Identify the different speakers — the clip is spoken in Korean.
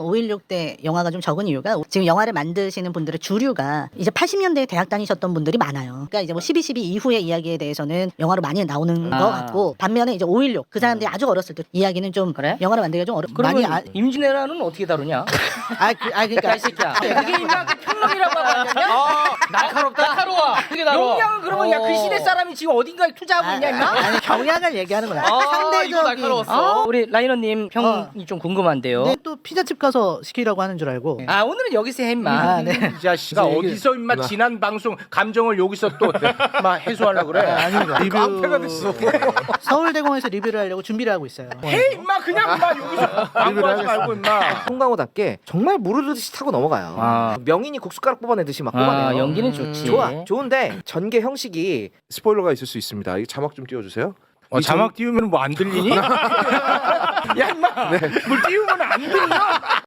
Speaker 1: 5.16 때 영화가 좀 적은 이유가 지금 영화를 만드시는 분들의 주류가 이제 80년대에 대학 다니셨던 분들이 많아요. 그러니까 이제 뭐 12.12 이후의 이야기에 대해서는 영화로 많이 나오는 것 같고 반면에 이제 5.16 그 사람들이 아주 어렸을 때 이야기는 좀
Speaker 2: 그래?
Speaker 1: 영화로 만들기가 좀
Speaker 2: 그러면
Speaker 1: 많이
Speaker 2: 임진왜란은 어떻게 다루냐?
Speaker 1: 그러니까
Speaker 2: 이 새끼야. 그게 임나 평론이라고 하고 앉았냐? 날카로워. 그게 용량은 그러면 야 그 시대 사람이 지금 어딘가에 투자하고 있냐 임마?
Speaker 1: 아니 경향을 얘기하는 거야.
Speaker 3: 이거 날카로웠어.
Speaker 2: 우리 라이너님 평이 좀 궁금한데요.
Speaker 1: 네, 또 피자집 가서 시키라고 하는 줄 알고.
Speaker 2: 아 오늘은 여기서 해 임마.
Speaker 1: 아, 네.
Speaker 4: 이 자식아 어디서 임마 지난 방송 감정을 여기서 또 막 해소하려고 그래.
Speaker 1: 아닙니다.
Speaker 4: 깡패가 됐어.
Speaker 1: 서울대공원에서 리뷰를 하려고 준비를 하고 있어요.
Speaker 4: 해 임마 그냥 임마 여기서 광고하지 말고 임마.
Speaker 5: 송강호답게 정말 무르르듯이 타고 넘어가요.
Speaker 2: 아.
Speaker 5: 명인이 국숟가락 뽑아내듯이 막 뽑아내요.
Speaker 2: 연기는 좋지.
Speaker 5: 좋은데 전개 형식이
Speaker 3: 스포일러가 있을 수 있습니다. 이 자막 좀 띄워주세요.
Speaker 4: 자막 띄우면 뭐 안 들리니? 야 임마 뭘 띄우면 안 들려?